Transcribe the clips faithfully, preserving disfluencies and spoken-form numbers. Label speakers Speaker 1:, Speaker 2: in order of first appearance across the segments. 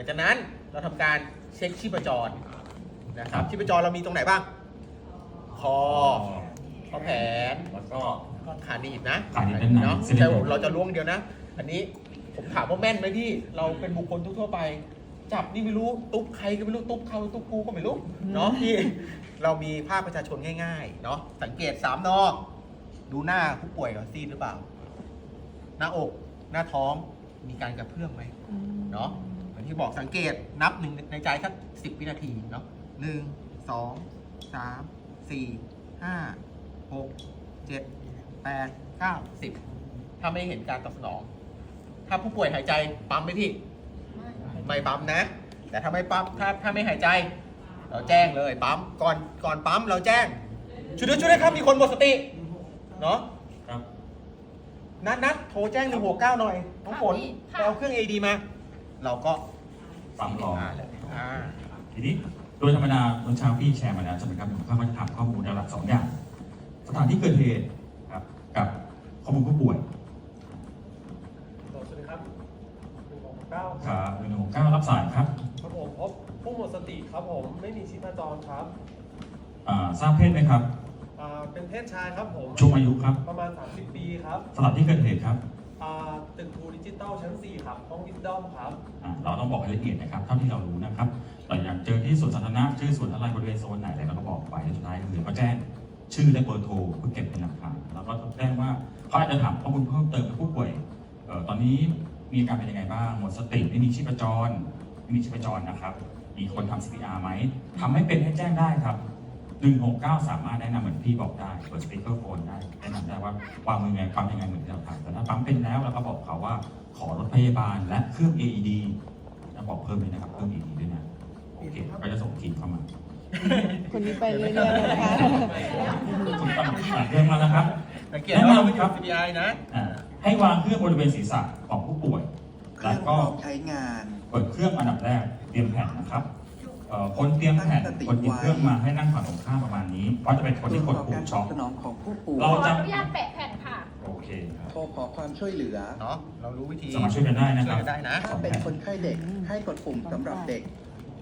Speaker 1: จากนั้นเราทำการเช็คชีพจรนะครับชีพจรเรามีตรงไหนบ้างคอข้อแขน
Speaker 2: แล้วก็
Speaker 1: ขาหนีบนะ
Speaker 2: ขาหนีบด้านใน
Speaker 1: เนาะ
Speaker 2: เส้นเลื
Speaker 1: ใช่
Speaker 2: อด
Speaker 1: ผมเราจะล้วงเดียวนะ อันนี้ผมถามว่าแม่นไหมพี่เราเป็นบุคคลทั่วๆไป จับนี่ไม่รู้ตุ๊บใครก็ไม่รู้ตุ๊บเขาตุ๊บกูก็ไม่รู้เนาะพี่เรามีภาพประชาชนง่ายๆเนาะสังเกตสามนอดูหน้าผู้ป่วยก่อนซีดหรือเปล่า หน้าอกหน้าท้องมีการกระเพื่อมไหมเนาะอย่างที่บอกสังเกตนับหนึ่งในใจสักสิบวินาทีเนาะหนึ่งสองสามสี่ห้าหกเจ็ดแปดเก้าสิบถ้าไม่เห็นการตอบสนอง ถ้าผู้ป่วยหายใจปั๊มไหมพี่ไม่ปั๊มนะ แต่ถ้าไม่ปั๊มถ้าถ้าไม่หายใจ เราแจ้งเลยปั๊มก่อนก่อนปั๊มเราแจ้งช่วยด้วยช่วยด้วยครับมีคนหมดสติเนาะ
Speaker 2: ครับ
Speaker 1: นัดนัดโทรแจ้งหนึ่งหกเก้าหน่อยน้องฝนไปเอาเครื่อง เอ ดี มา เราก็
Speaker 2: ปั๊มรอ
Speaker 1: เลยอ่า
Speaker 2: ทีนี้โดยธรรมดาตอนเช้าพี่แชร์มาแล้วใช่ไหมครับผมก็จะถามข้อมูลหลักสองอย่างสถานที่เกิดเหตุครับกับข้อมูลผู้ป่วย
Speaker 3: สวัสดีครับหนึ่งหกเก้า
Speaker 2: ครับหนึ่งหกเก้ารับสายครับ
Speaker 3: ครับผมพบผู้หมดสติครับผมไม่มีชีพจรครับ
Speaker 2: อ่าทราบเพศไหมครับ
Speaker 3: อ่าเป็นเพศชายครับผม
Speaker 2: ช่วงอายุครับ
Speaker 3: ประมาณ สามสิบ ปีครับ
Speaker 2: สถานที่เกิดเหตุครับ
Speaker 3: อ่าตึกทูดิจิตอลชั้น สี่ ครับห้องวิดดอมครับ
Speaker 2: อ่าเราต้องบอกรายละเอียดนะครับเท่าที่เรารู้นะครับแต่อย่างเจอที่สวนสาธารณะชื่อสวนอะไรบริเวณโซนไหนอะไรเราก็บอกไปสุดท้ายคือก็แจ้งชื่อและเบอร์โทรเพื่อเก็บเป็นหลักฐานแล้วก็แจ้งว่าเขาอาจจะถามข้อมูลเพิ่มเติมกับผู้ป่วยเอ่อตอนนี้มีอาการเป็นยังไงบ้างหมดสติไม่มีชีพจรไม่มีชีพจรนะครับมีคนทำ ซี พี อาร์ ไหมทำให้เป็นให้แจ้งได้ครับหนึ่งหกเก้าสามารถแนะนำเหมือนพี่บอกได้เปิดสปีกเกอร์โฟนได้แนะนำได้ว่าวางมือไงปั๊มยังไงเหมือนที่เราทำแต่ถ้าปั๊มเป็นแล้วเราก็บอกเขาว่าขอรถพยาบาลและเครื่อง เอ อี ดี จะบอกเพิ่มเลยนะครับเครื่อง เอ อี ดี ด้วยนะโอเคก็จะส่งทีมเข้ามา
Speaker 4: คนนี้ไปเรื่อยๆนะคะ
Speaker 2: คุณตั้งแต่เรื่องมาแล้วครับ
Speaker 1: สังเกตว่าเราไม่อยู่ ซี พี ไอ นะ
Speaker 2: อ่าให้วางเครื่องบริเวณศีรษะของผู้ป่วย
Speaker 5: เค
Speaker 2: แล้
Speaker 5: รื่
Speaker 2: ว
Speaker 5: องพ
Speaker 2: ก็
Speaker 5: ร้อมใช้งาน
Speaker 2: เปิดเครื่องอันดับแรกเตรียมแผ่นนะครับเอ่อคนเตรียมแผ่นคนหยิบเครื่องมาให้นั่งฝั่งตรงข้ามประมาณนี้เพราะจะเป็นคน
Speaker 5: เพื่
Speaker 2: ที่
Speaker 5: อก
Speaker 2: ด
Speaker 5: ต่อ
Speaker 2: ปุ่
Speaker 5: กาม รต
Speaker 2: ช็
Speaker 5: อ
Speaker 2: อบ ก
Speaker 5: สนองของผู้ป่วย
Speaker 2: เรา
Speaker 6: ขอ
Speaker 2: จะ
Speaker 6: อนุญาตแปะแผ่นค่ะ
Speaker 2: โอเคครับ
Speaker 5: โทรขอความช่วยเหลือ
Speaker 1: เนาะเรารู้วิธี
Speaker 2: สามารถช่วยกันได้นะค
Speaker 1: ช่
Speaker 2: รั
Speaker 1: วย
Speaker 2: บ
Speaker 1: กันได้นะ
Speaker 5: ถ้าเป็นคนไข้เด็กให้กดปุ่มสำหรับเด็ก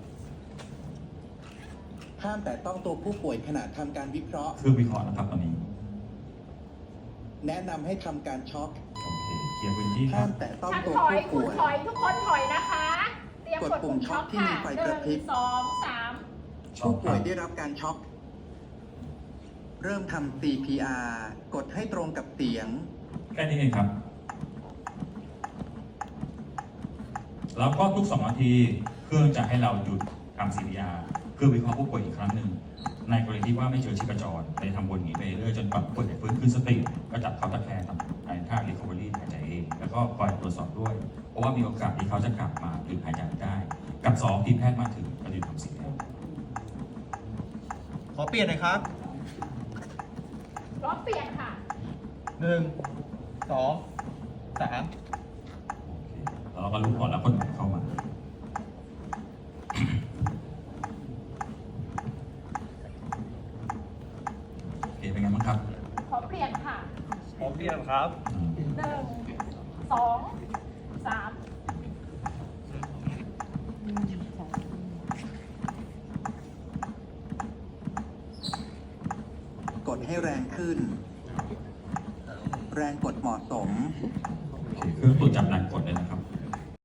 Speaker 5: ห้ามแต่ต้องตัวผู้ป่วยขณะทำการวิเคราะห์
Speaker 2: เครื่องวิเคราะห์นะครับตอนนี้
Speaker 5: แนะนำให้ทำการช็อค
Speaker 2: โอเคเคลียร์พื้นที่ค
Speaker 5: ห้า
Speaker 2: รับ
Speaker 5: มแต่ต้อง
Speaker 6: ช่าง
Speaker 5: ตัว
Speaker 6: ถอย
Speaker 5: ผู้
Speaker 6: คุณ
Speaker 5: ป่วย
Speaker 6: ถอยทุกคนถอยนะคะ เตรียมกดปุ่มช็อคค่ะ
Speaker 5: กดปุ่มช็อคที่มีไฟ
Speaker 6: ห
Speaker 5: กระพริ
Speaker 6: นึ่
Speaker 5: บ
Speaker 6: งสองสาม
Speaker 5: ผู้ป่วยได้รับการช็อค เริ่มทำ ซี พี อาร์ กดให้ตรงกับเสียง
Speaker 2: แค่นี้เองครับ แล้วก็ทุกสองนาทีเครื่องจะให้เราหยุดทำ ซี พี อาร์ เพื่อวิเคราะห์ผู้ป่วยอีกครั้งหนึ่งในกรณีที่ว่าไม่เจอชีพจรในทำวนอย่างนี้ไปเรื่อยจนกว่าผู้ป่วยจะฟื้นคืนสติก็จับเขาตะแคงทำในท่า recovery หายใจเอง แล้วก็คอยตรวจสอบด้วย เพราะว่ามีโอกาสที่เขาจะกลับมาหรือหายใจได้ กับสองทีมแพทย์มาถึงก็จะทำสิ่งนี้
Speaker 1: ขอเปลี่ยนหน่อยครับ
Speaker 6: พร้อมเปลี่ยนค่ะ
Speaker 1: หนึ่งสองสาม
Speaker 2: แล้วเราก็รู้ก่อนแล้วคนไหนเข้ามา โอเคเป็นไงบ้างครับ
Speaker 6: ขอเปลี่ยนค่ะ
Speaker 3: พร้อมเรียนครับ
Speaker 2: อืม
Speaker 6: หนึ่งสองสาม
Speaker 5: กดให้แรงขึ้น แรงกดเหมาะสม
Speaker 2: โอเคเครื่องตรวจจับแรงกดเลยนะครับ